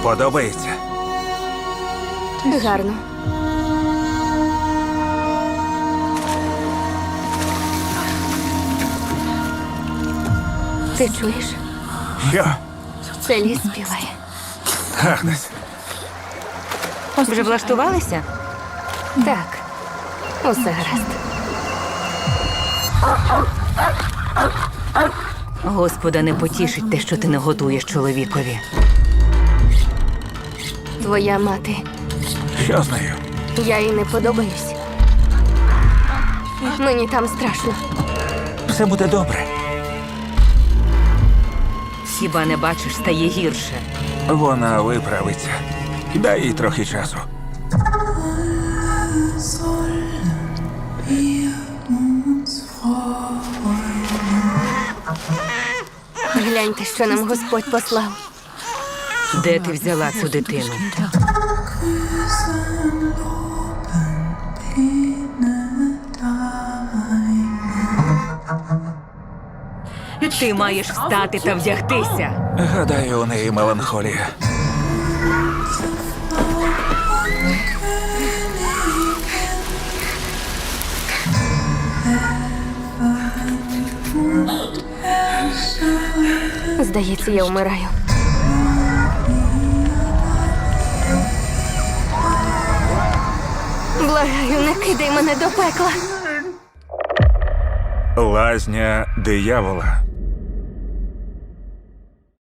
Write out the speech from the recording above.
Подобається? Гарно. Ти чуєш? Що? Це ліс співає. Агнес, Вже влаштувалися? Так, усе гаразд. Господа не потішить те, що ти не готуєш чоловікові. Твоя мати. що з нею? Я їй не подобаюсь. Мені там страшно. Все буде добре. Хіба не бачиш, стає гірше. Вона виправиться. Дай їй трохи часу. Гляньте, що нам Господь послав. Де ти взяла цю дитину? Ти маєш встати та вдягтися. Гадаю, у неї меланхолія. Здається, я вмираю. Благаю, не кидай мене до пекла. Лазня диявола.